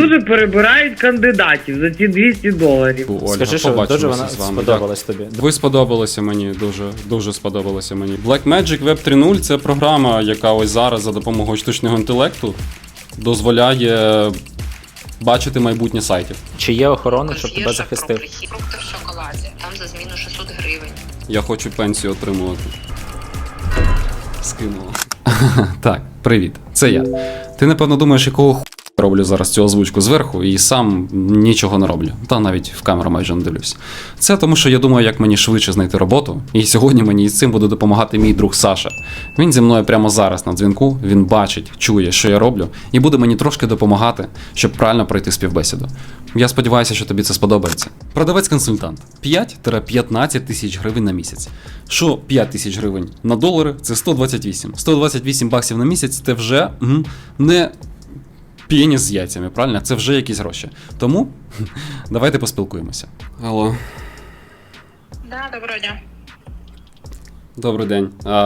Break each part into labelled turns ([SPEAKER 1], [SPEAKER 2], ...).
[SPEAKER 1] дуже перебирають кандидатів за ці $200.
[SPEAKER 2] Ольга,
[SPEAKER 3] Скажи, що дуже
[SPEAKER 2] побачимося
[SPEAKER 3] вона
[SPEAKER 2] з вами.
[SPEAKER 3] сподобалась тобі.
[SPEAKER 2] Ви сподобалися мені, дуже сподобалося мені. Blackmagic Web 3.0 – це програма, яка ось зараз за допомогою штучного інтелекту дозволяє бачити майбутнє сайтів.
[SPEAKER 3] Чи є охорона, щоб тебе захистив?
[SPEAKER 4] Фрукти в шоколаді. Там за зміну 600 гривень.
[SPEAKER 2] Я хочу пенсію отримувати. Скинула. Так, привіт, це я. Ти, напевно, думаєш, якого ху роблю зараз цю озвучку зверху і сам нічого не роблю. Та навіть в камеру майже не дивлюсь. Це тому, що я думаю, як мені швидше знайти роботу. І сьогодні мені із цим буде допомагати мій друг Саша. Він зі мною прямо зараз на дзвінку, він бачить, чує, що я роблю, і буде мені трошки допомагати, щоб правильно пройти співбесіду. Я сподіваюся, що тобі це сподобається. Продавець-консультант. 5-15 тисяч гривень на місяць. Що 5 тисяч гривень на долари – це 128. 128 баксів на місяць – це вже не пеніс з яйцями, правильно? Це вже якісь гроші. Тому давайте поспілкуємося. Алло.
[SPEAKER 4] Да, доброго дня.
[SPEAKER 2] Добрий день.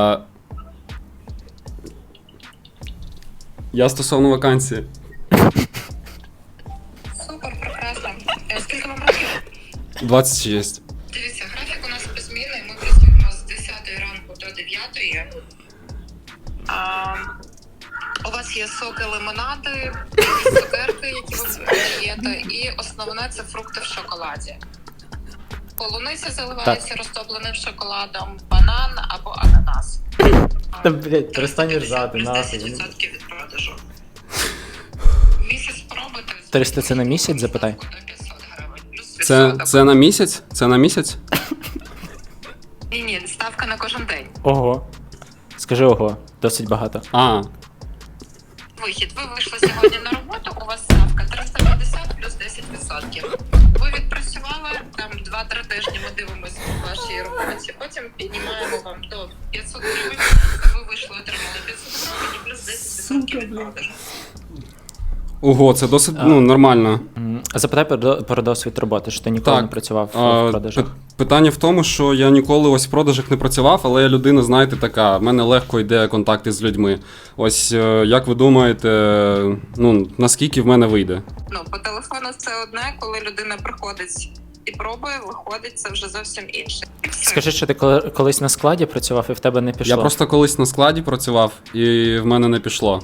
[SPEAKER 2] Я стосовно вакансії.
[SPEAKER 4] Супер, прекрасно. Скільки вам років?
[SPEAKER 2] 26.
[SPEAKER 4] Дивіться, графік у нас беззмінний. Ми працюємо з 10 ранку до 9. У вас є соки, лимонади, цукерки, які ви продаєте, і основне – це фрукти в шоколаді. Полуниця заливається розтопленим шоколадом, банан або ананас.
[SPEAKER 3] Та, блядь, перестань
[SPEAKER 4] 350
[SPEAKER 3] ржати,
[SPEAKER 4] плюс
[SPEAKER 3] нахуй.
[SPEAKER 4] 10% від продажу. Місяць спробуйте.
[SPEAKER 3] 300 це на місяць, запитай?
[SPEAKER 4] До 500 гривень, плюс відсоток.
[SPEAKER 2] Це на місяць? Це на місяць?
[SPEAKER 4] Ні, ставка на кожен день.
[SPEAKER 3] Ого. Скажи ого, досить багато.
[SPEAKER 2] А,
[SPEAKER 4] Вихід. Ви вийшли сьогодні на роботу, у вас ставка 350 плюс 10%. Ви відпрацювали, там 2-3 тижні ми дивимося по вашій роботі, потім піднімаємо вам до 500 гривень, ви вийшли, отримали 500 гривень і плюс 10% від продажу.
[SPEAKER 2] ого, це досить нормально.
[SPEAKER 3] Запитай про досвід роботи, що ти ніколи не працював в продажах.
[SPEAKER 2] Питання в тому, що я ніколи ось в продажах не працював, але я людина, знаєте, така, в мене легко йде контакти з людьми. Ось, як ви думаєте, наскільки в мене вийде?
[SPEAKER 4] По телефону це одне, коли людина приходить і пробує, виходить, це вже зовсім інше. І все.
[SPEAKER 3] Скажи, що ти колись на складі працював і в тебе не пішло?
[SPEAKER 2] Я просто колись на складі працював, і в мене не пішло.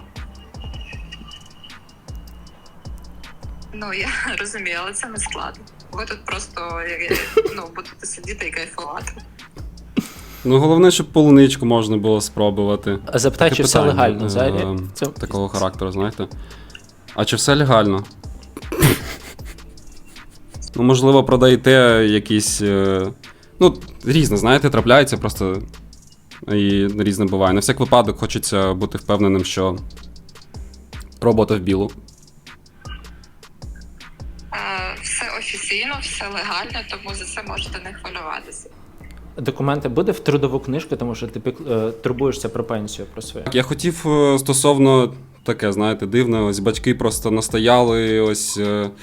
[SPEAKER 4] Я розумію, але це не складно. Ви тут просто будете сидіти і кайфувати.
[SPEAKER 2] Головне, щоб полуничку можна було спробувати.
[SPEAKER 3] А запитай,
[SPEAKER 2] Таке
[SPEAKER 3] чи все
[SPEAKER 2] питання,
[SPEAKER 3] легально взагалі?
[SPEAKER 2] такого характеру, знаєте. А чи все легально? Можливо, продаєте якісь... різне, знаєте, трапляється просто. І різне буває. На всяк випадок хочеться бути впевненим, що робота в білу.
[SPEAKER 4] Все офіційно, все легально, тому за це можете не хвилюватися.
[SPEAKER 3] Документи буде в трудову книжку, тому що ти турбуєшся про пенсію, про своє.
[SPEAKER 2] Я хотів стосовно таке, знаєте, дивне, ось батьки просто настояли, ось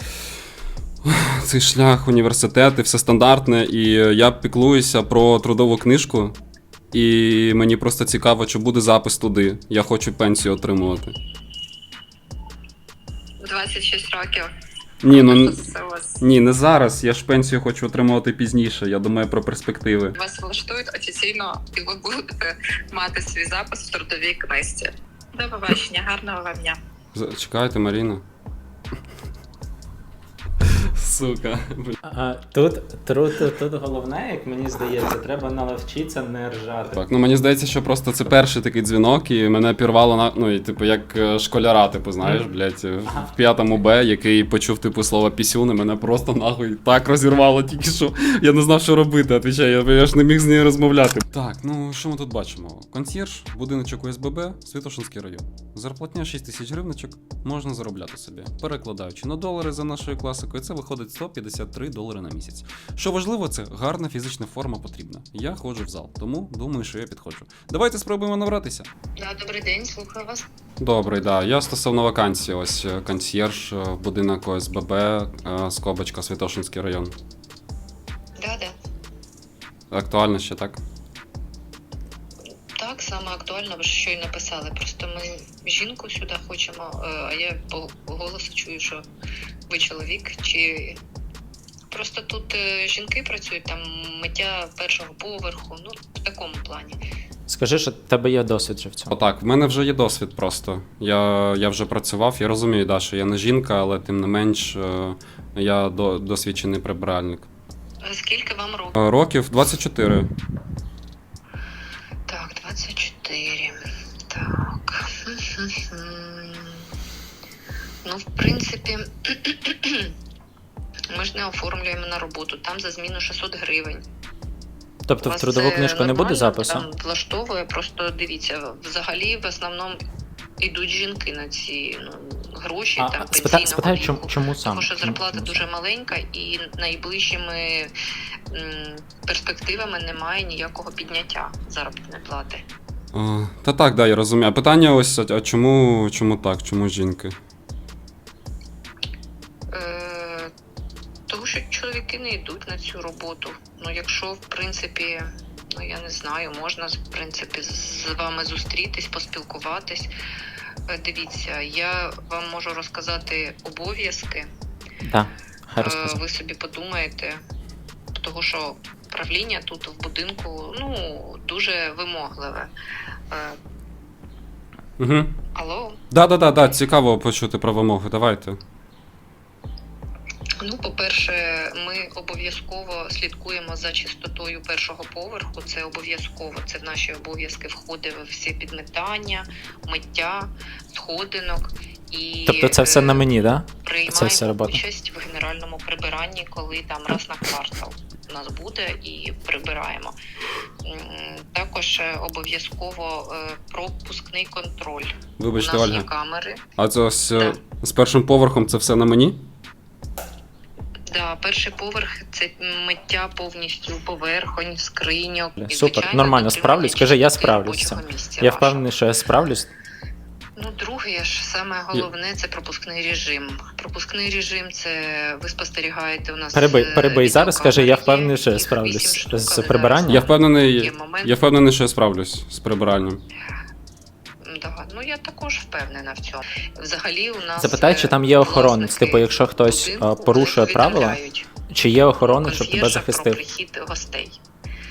[SPEAKER 2] цей шлях, університети, все стандартне, і я піклуюся про трудову книжку, і мені просто цікаво, чи буде запис туди. Я хочу пенсію отримувати.
[SPEAKER 4] В 26 роких.
[SPEAKER 2] Ні, не зараз. Я ж пенсію хочу отримувати пізніше. Я думаю про перспективи.
[SPEAKER 4] Вас влаштують офіційно, і ви будете мати свій запис в трудовій книжці. До побачення, гарного вам дня.
[SPEAKER 2] Чекайте, Маріна. Сука.
[SPEAKER 3] Тут головне, як мені здається, треба навчитися не ржати.
[SPEAKER 2] Так, мені здається, що просто це перший такий дзвінок, і мене пірвало як школяра, знаєш, блядь, в 5 Б, який почув, слово пісюн, і мене просто нахуй так розірвало тільки що. Я не знав, що робити, отвічаю, я ж не міг з нею розмовляти. Так, що ми тут бачимо? Консьєрж, будиночок ОСББ, Святошинський район. Зарплатня 6 тисяч гривничок, можна заробляти собі. Перекладаючи на долари за нашою класикою, це виходить $153 на місяць. Що важливо, це гарна фізична форма потрібна. Я ходжу в зал, тому думаю, що я підходжу. Давайте спробуємо набратися.
[SPEAKER 4] Добрий день, слухаю вас.
[SPEAKER 2] Добрий, да. Я стосовно вакансії, ось консьєрж, будинок ОСББ, скобочка, Святошинський район.
[SPEAKER 4] Да.
[SPEAKER 2] Актуально ще, так?
[SPEAKER 4] Так, саме актуально, ви ж щойно писали. Просто ми жінку сюди хочемо, а я по голосу чую, що Ви чоловік чи просто тут жінки працюють, там миття першого поверху, ну в такому плані.
[SPEAKER 3] Скажи, що в тебе є досвід вже в цьому.
[SPEAKER 2] Отак, в мене вже є досвід просто. Я вже працював, я розумію, да, що я не жінка, але тим не менш я досвідчений прибиральник.
[SPEAKER 4] Скільки вам років?
[SPEAKER 2] Років 24.
[SPEAKER 4] Так, 24. Так. Ну, в принципі, ми ж не оформлюємо на роботу. Там за зміну 600 гривень.
[SPEAKER 3] Тобто в
[SPEAKER 4] Вас
[SPEAKER 3] трудову
[SPEAKER 4] це
[SPEAKER 3] книжку не буде
[SPEAKER 4] нормально
[SPEAKER 3] запису?
[SPEAKER 4] Там влаштовує, просто дивіться, взагалі в основному йдуть жінки на ці гроші, там пенсійного
[SPEAKER 3] Спитай,
[SPEAKER 4] віку.
[SPEAKER 3] чому саме?
[SPEAKER 4] Тому що зарплата дуже маленька і найближчими перспективами немає ніякого підняття заробітної плати.
[SPEAKER 2] Та так, да, я розумію. А питання ось, а чому так? Чому жінки?
[SPEAKER 4] Тому що чоловіки не йдуть на цю роботу. Ну, якщо, в принципі, ну я не знаю, можна, в принципі, з вами зустрітись, поспілкуватись. Дивіться, я вам можу розказати обов'язки.
[SPEAKER 3] Так, хай розказуй.
[SPEAKER 4] Ви собі подумаєте, тому що правління тут в будинку, ну, дуже вимогливе.
[SPEAKER 2] Угу.
[SPEAKER 4] Алло?
[SPEAKER 2] Да, цікаво почути про вимоги, давайте.
[SPEAKER 4] Ну, по-перше, ми обов'язково слідкуємо за чистотою першого поверху. Це обов'язково. Це в наші обов'язки входить всі підметання, миття, сходинок. І
[SPEAKER 3] Тобто це все на мені, так? Да?
[SPEAKER 4] приймаємо
[SPEAKER 3] Це вся робота.
[SPEAKER 4] участь в генеральному прибиранні, коли там раз на квартал у нас буде і прибираємо. Також обов'язково пропускний контроль.
[SPEAKER 2] Вибачте,
[SPEAKER 4] у нас
[SPEAKER 2] Ольга.
[SPEAKER 4] є камери.
[SPEAKER 2] А це ось
[SPEAKER 4] Да.
[SPEAKER 2] з першим поверхом це все на мені?
[SPEAKER 4] Да, перший поверх це миття повністю поверхонь, скриньок. І,
[SPEAKER 3] Супер,
[SPEAKER 4] звичайно,
[SPEAKER 3] нормально, справлюсь. Скажи, я
[SPEAKER 4] чистоти
[SPEAKER 3] справлюсь з цим.
[SPEAKER 4] робочого місця
[SPEAKER 3] Я
[SPEAKER 4] вашого.
[SPEAKER 3] впевнений, що я справлюсь.
[SPEAKER 4] Ну, друге ж, саме головне, це пропускний режим. Пропускний режим – це ви спостерігаєте у нас...
[SPEAKER 3] Перебий зараз, скажи, я
[SPEAKER 4] відеокамери
[SPEAKER 3] впевнений,
[SPEAKER 4] є,
[SPEAKER 3] що я
[SPEAKER 4] їх
[SPEAKER 3] справлюсь
[SPEAKER 4] 8 штук,
[SPEAKER 3] з
[SPEAKER 4] але
[SPEAKER 3] прибиранням.
[SPEAKER 2] Я впевнений,
[SPEAKER 4] Є момент.
[SPEAKER 2] що я справлюсь з прибиранням.
[SPEAKER 4] Да, ну я також впевнена в цьому. Взагалі у нас...
[SPEAKER 3] Запитай, чи там є охоронець. Типу, якщо хтось
[SPEAKER 4] будинку
[SPEAKER 3] порушує правила,
[SPEAKER 4] повідомляють
[SPEAKER 3] чи є охоронець, щоб тебе
[SPEAKER 4] консьєржа про
[SPEAKER 3] захистив?
[SPEAKER 4] прихід гостей.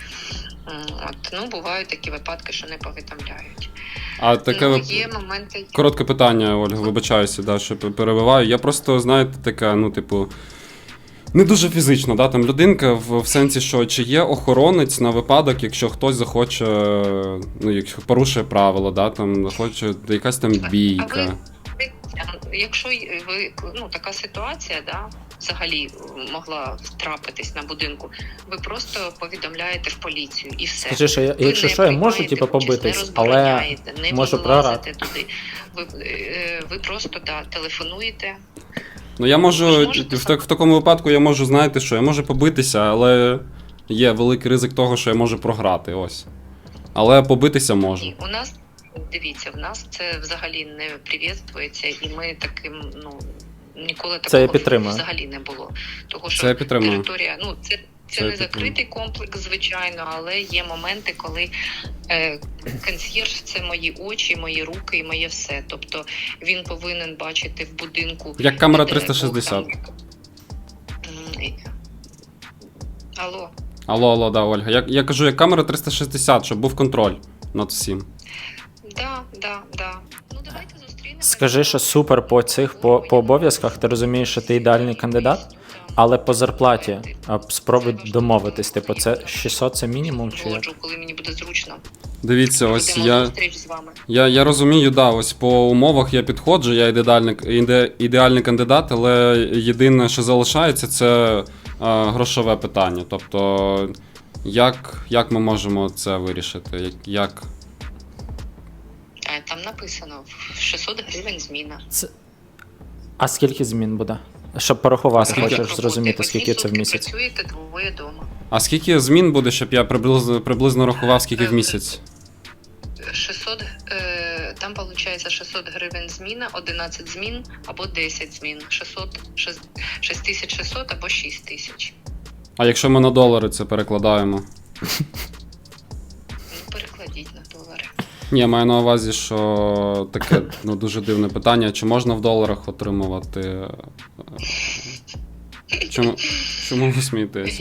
[SPEAKER 4] Ну, бувають такі випадки, що не повідомляють.
[SPEAKER 2] А таке
[SPEAKER 4] Ну, є моменти...
[SPEAKER 2] коротке питання, Ольга, вибачаюся, да, що перебиваю. Я просто, знаєте, таке, ну, типу, не дуже фізично, да, там людинка в сенсі, що чи є охоронець на випадок, якщо хтось захоче, ну, якщо порушує правила, да, там, захоче якась там бійка.
[SPEAKER 4] Якщо ви, ну, така ситуація, да, взагалі могла трапитись на будинку, ви просто повідомляєте в поліцію і все.
[SPEAKER 3] Скажи, що я,
[SPEAKER 4] Ви
[SPEAKER 3] якщо
[SPEAKER 4] не
[SPEAKER 3] що, я можу
[SPEAKER 4] приймаєте
[SPEAKER 3] типу,
[SPEAKER 4] участь,
[SPEAKER 3] побитись,
[SPEAKER 4] не
[SPEAKER 3] але
[SPEAKER 4] розбороняєте, не
[SPEAKER 3] можу
[SPEAKER 4] вилазите
[SPEAKER 3] програти.
[SPEAKER 4] туди. Ви просто телефонуєте.
[SPEAKER 2] Ну, я
[SPEAKER 4] Ви
[SPEAKER 2] можу,
[SPEAKER 4] ж можете
[SPEAKER 2] в такому випадку я можу, знаєте що, я можу побитися, але є великий ризик того, що я можу програти, ось. Але побитися можу.
[SPEAKER 4] Ні, у нас, дивіться, в нас це взагалі не привітствується, і ми таким, ну, ніколи
[SPEAKER 3] Це я
[SPEAKER 4] такого
[SPEAKER 3] підтримую.
[SPEAKER 4] взагалі не було. Того, що
[SPEAKER 2] Це я підтримую.
[SPEAKER 4] територія, ну, це
[SPEAKER 2] Це я
[SPEAKER 4] не закритий комплекс, звичайно, але є моменти, коли консьєрж – це мої очі, мої руки і моє все. Тобто він повинен бачити в будинку...
[SPEAKER 2] Як камера
[SPEAKER 4] не дай Бог,
[SPEAKER 2] 360.
[SPEAKER 4] Алло.
[SPEAKER 2] Да, Ольга. Я кажу, як камера 360, щоб був контроль над всім.
[SPEAKER 4] Да. Ну, давайте зустрінемося.
[SPEAKER 3] Скажи, що супер по обов'язках, ти розумієш, що ти ідеальний кандидат, але по зарплаті спробуй домовитись. Типу, це 600 це мінімум чи як?
[SPEAKER 4] Згоджу, коли мені буде зручно.
[SPEAKER 2] Дивіться, ось
[SPEAKER 4] Будемо на зустріч з вами.
[SPEAKER 2] я розумію, да, ось по умовах я підходжу, я ідеальний кандидат, але єдине, що залишається, це грошове питання. Тобто, як ми можемо це вирішити? Як?
[SPEAKER 4] Там написано 600 гривень зміна.
[SPEAKER 3] А скільки змін буде? Щоб порахувати,
[SPEAKER 2] Скільки?
[SPEAKER 3] хочеш зрозуміти, скільки це в місяць.
[SPEAKER 4] Працюєте двоє дома.
[SPEAKER 2] А скільки змін буде, щоб я приблизно рахував, скільки в місяць?
[SPEAKER 4] 600, там виходить 600 гривень зміна, 11 змін або 10 змін. 6600 або 6000.
[SPEAKER 2] А якщо ми на долари це перекладаємо?
[SPEAKER 4] Ну, перекладіть на долари.
[SPEAKER 2] Ні, я маю на увазі, що таке дуже дивне питання. Чи можна в доларах отримувати Чому ви смієтеся?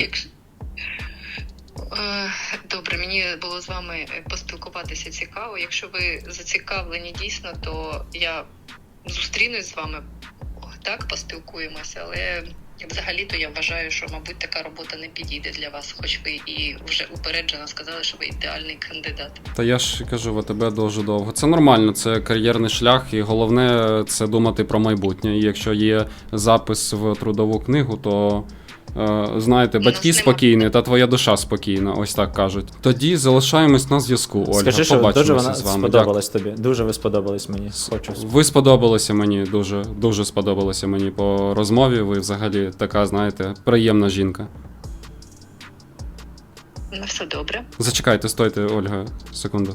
[SPEAKER 5] Добре, мені було з вами поспілкуватися цікаво. Якщо ви зацікавлені дійсно, то я зустрінусь з вами, так, поспілкуємося, але взагалі-то я вважаю, що, мабуть, така робота не підійде для вас, хоч ви і вже упереджено сказали, що ви ідеальний кандидат.
[SPEAKER 2] Та я ж кажу, ВТБ дуже довго. Це нормально, це кар'єрний шлях, і головне це думати про майбутнє. І якщо є запис в трудову книгу, то знаєте, батьки спокійні, та твоя душа спокійна, ось так кажуть. Тоді залишаємось на зв'язку, Ольга.
[SPEAKER 3] Скажи, що дуже
[SPEAKER 2] Побачимося
[SPEAKER 3] вона
[SPEAKER 2] з вами.
[SPEAKER 3] сподобалась тобі. Дуже ви сподобались мені. Хочу.
[SPEAKER 2] Ви сподобалися мені, дуже сподобалося мені по розмові. Ви взагалі така, знаєте, приємна жінка.
[SPEAKER 5] Ну, все добре.
[SPEAKER 2] Зачекайте, стойте, Ольга, секунду.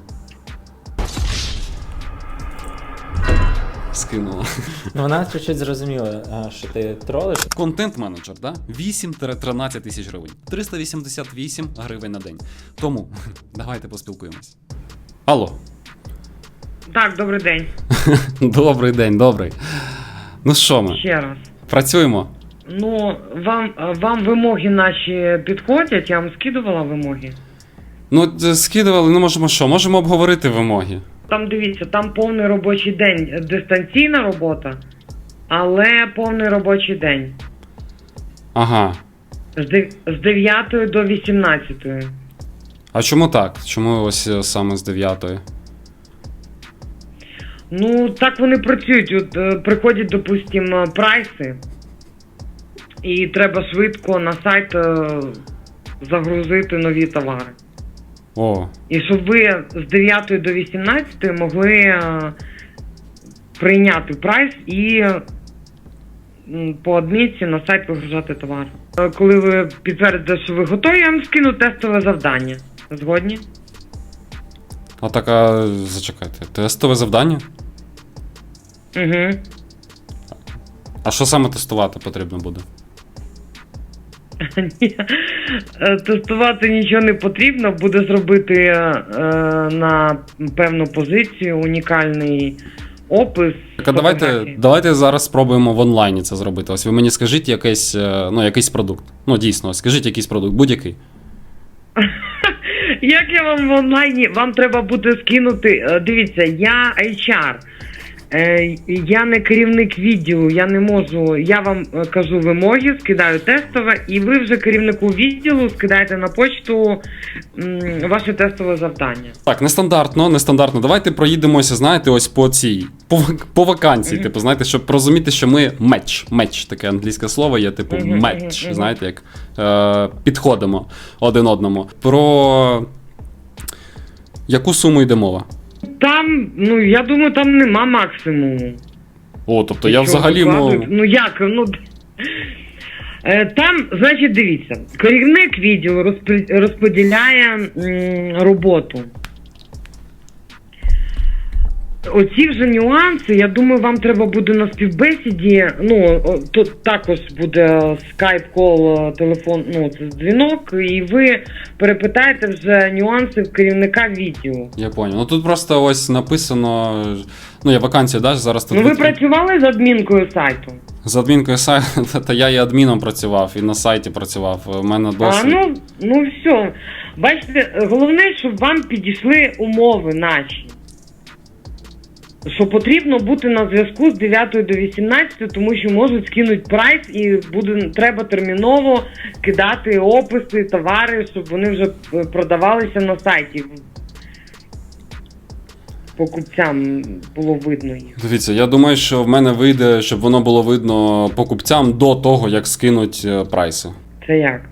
[SPEAKER 2] Скинула.
[SPEAKER 3] Ну, вона чуть-чуть зрозуміла, що ти тролиш.
[SPEAKER 2] Контент-менеджер, да? 8-13 тисяч гривень. 388 гривень на день. Тому давайте поспілкуємось. Алло.
[SPEAKER 1] Так, добрий день.
[SPEAKER 2] Добрий день, добрий. Ну що ми?
[SPEAKER 1] Ще раз.
[SPEAKER 2] Працюємо?
[SPEAKER 1] Ну, вам вимоги наші підходять, я вам скидувала вимоги.
[SPEAKER 2] Ну, скидували, ну можемо що? Можемо обговорити вимоги.
[SPEAKER 1] Там дивіться, там повний робочий день, дистанційна робота, але повний робочий день.
[SPEAKER 2] Ага.
[SPEAKER 1] З 9 до 18.
[SPEAKER 2] А чому так? Чому ось саме з 9-ї?
[SPEAKER 1] Ну, так вони працюють. От приходять, допустимо, прайси, і треба швидко на сайт загрузити нові товари.
[SPEAKER 2] О,
[SPEAKER 1] І щоб ви з 9 до 18 могли прийняти прайс і по адмінці на сайт вигружати товар. Коли ви підтвердите, що ви готові, я вам скину тестове завдання. Згодні?
[SPEAKER 2] а така, зачекайте, тестове завдання?
[SPEAKER 1] Угу.
[SPEAKER 2] А що саме тестувати потрібно буде?
[SPEAKER 1] Ні, тестувати нічого не потрібно, буде зробити на певну позицію унікальний опис.
[SPEAKER 2] Так, а
[SPEAKER 1] фотографії.
[SPEAKER 2] давайте зараз спробуємо в онлайні це зробити. Ось ви мені скажіть якийсь продукт. Ну, дійсно, скажіть якийсь продукт, будь-який.
[SPEAKER 1] Як я вам в онлайні? Вам треба буде скинути. Дивіться, я HR. Я не керівник відділу, я не можу. Я вам кажу вимоги, скидаю тестове, і ви вже керівнику відділу скидаєте на почту ваше тестове завдання.
[SPEAKER 2] Так, нестандартно. Давайте проїдемося, знаєте, ось по вакансії, типу, знаєте, щоб розуміти, що ми меч, таке англійське слово є, типу меч, знаєте, як підходимо один одному. Про яку суму йде мова?
[SPEAKER 1] Там, я думаю, там нема максимуму.
[SPEAKER 2] О, тобто я взагалі
[SPEAKER 1] Ну як, там, значить, дивіться, керівник відділу розподіляє роботу. Оці вже нюанси, я думаю, вам треба буде на співбесіді, тут також буде скайп-кол, телефон, це дзвінок, і ви перепитаєте вже нюанси в керівника відділу.
[SPEAKER 2] Я понял. Ну тут просто ось написано, я вакансія, да, зараз тут.
[SPEAKER 1] Ви працювали з адмінкою сайту?
[SPEAKER 2] З адмінкою сайту, та я і адміном працював, і на сайті працював, у мене досвід.
[SPEAKER 1] Все. Бачите, головне, щоб вам підійшли умови наші. Що потрібно бути на зв'язку з 9 до 18, тому що можуть скинути прайс і треба терміново кидати описи, товари, щоб вони вже продавалися на сайті. Покупцям було видно їх.
[SPEAKER 2] Дивіться, я думаю, що в мене вийде, щоб воно було видно покупцям до того, як скинуть прайси.
[SPEAKER 1] Це як?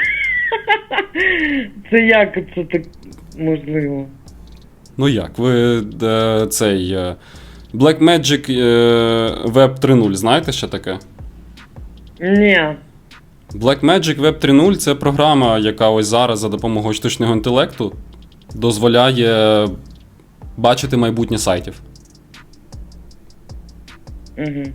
[SPEAKER 1] Це як це так можливо?
[SPEAKER 2] Ну як, ви цей Blackmagic Web 3.0, знаєте, що таке?
[SPEAKER 1] Ні.
[SPEAKER 2] Blackmagic Web 3.0 – це програма, яка ось зараз за допомогою штучного інтелекту дозволяє бачити майбутнє сайтів.
[SPEAKER 1] Угу.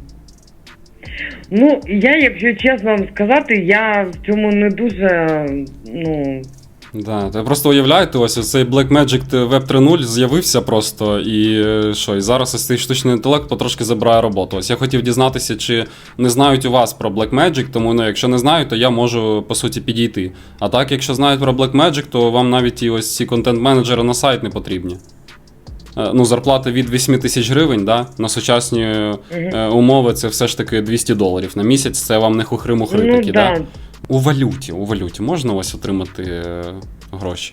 [SPEAKER 1] Я, якщо чесно вам сказати, я в цьому не дуже,
[SPEAKER 2] Да, ти просто уявляєте, ось цей Blackmagic Web 3.0 з'явився просто, і що, і зараз ось цей штучний інтелект потрошки забирає роботу. Ось я хотів дізнатися, чи не знають у вас про Blackmagic, тому ну, якщо не знають, то я можу, по суті, підійти. А так, якщо знають про Blackmagic, то вам навіть і ось ці контент-менеджери на сайт не потрібні. Ну, зарплата від 8 тисяч гривень, да? На сучасні умови це все ж таки $200 на місяць, це вам не хухри-мухри
[SPEAKER 1] Ну,
[SPEAKER 2] такі,
[SPEAKER 1] да.
[SPEAKER 2] да? У валюті можна ось отримати гроші?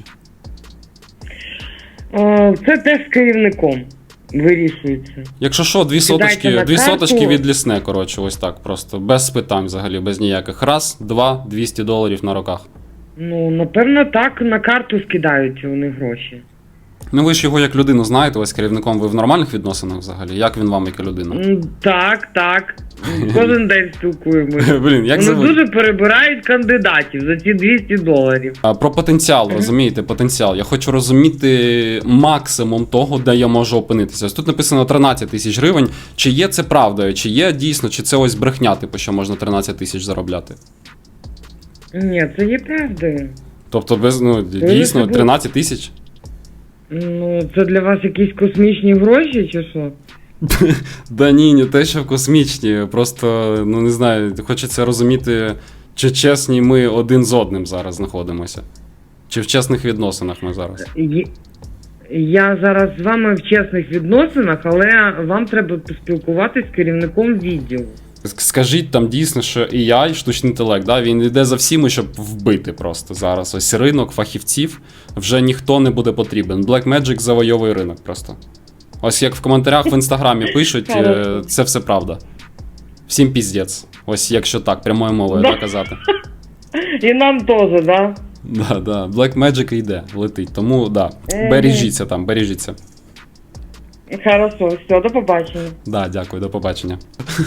[SPEAKER 1] Це теж з керівником вирішується.
[SPEAKER 2] Якщо що, дві
[SPEAKER 1] Кидайте на
[SPEAKER 2] дві
[SPEAKER 1] карту.
[SPEAKER 2] соточки від лісне, коротше, ось так просто. Без питань взагалі, без ніяких. Раз, два, $200 на руках.
[SPEAKER 1] Ну, напевно, так на карту скидаються вони гроші.
[SPEAKER 2] Ну ви ж його як людину знаєте, ось керівником ви в нормальних відносинах взагалі? Як він вам як людина?
[SPEAKER 1] Так. Кожен день спілкуємося.
[SPEAKER 2] Блін, як
[SPEAKER 1] Вони
[SPEAKER 2] зовуть?
[SPEAKER 1] дуже перебирають кандидатів за ці $200.
[SPEAKER 2] Про потенціал, розумієте, потенціал. Я хочу розуміти максимум того, де я можу опинитися. Ось тут написано 13 тисяч гривень. Чи є це правдою? Чи є дійсно, чи це ось брехня, типу, що можна 13 тисяч заробляти?
[SPEAKER 1] Ні, це є правдою.
[SPEAKER 2] Тобто, дійсно, 13 тисяч?
[SPEAKER 1] Ну, це для вас якісь космічні гроші, чи що?
[SPEAKER 2] Да ні, не те, що космічні. Просто, ну не знаю, хочеться розуміти, чи чесні ми один з одним зараз знаходимося. Чи в чесних відносинах ми зараз.
[SPEAKER 1] Я зараз з вами в чесних відносинах, але вам треба поспілкуватись з керівником відділу.
[SPEAKER 2] Скажіть там дійсно, що AI, штучний інтелект, да, він йде за всіми, щоб вбити просто зараз. Ось ринок фахівців, вже ніхто не буде потрібен. Blackmagic завойовує ринок просто. Ось як в коментарях в інстаграмі пишуть, це все правда. Всім піздець. Ось якщо так, прямою мовою казати.
[SPEAKER 1] І нам теж, да?
[SPEAKER 2] Да. Blackmagic йде, летить. Тому, да, бережіться там, бережіться.
[SPEAKER 1] Хорошо, все, до побачення.
[SPEAKER 2] Да, дякую, до побачення.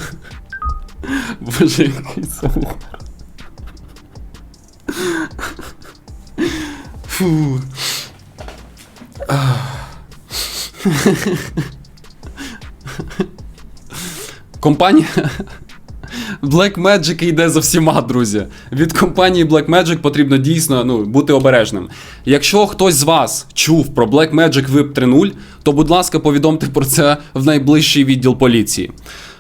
[SPEAKER 2] Боже, який це. Фу. Компанія Blackmagic йде за всіма, друзі. Від компанії Blackmagic потрібно дійсно бути обережним. Якщо хтось з вас чув про Blackmagic Web 3.0, то, будь ласка, повідомте про це в найближчий відділ поліції.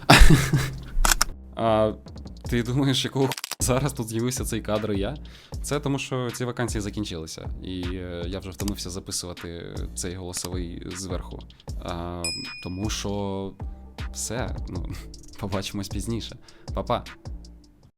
[SPEAKER 2] А ти думаєш, якого зараз тут з'явився цей кадр і я? Це тому, що ці вакансії закінчилися. І я вже втомився записувати цей голосовий зверху. Тому що все, побачимось пізніше. Па-па.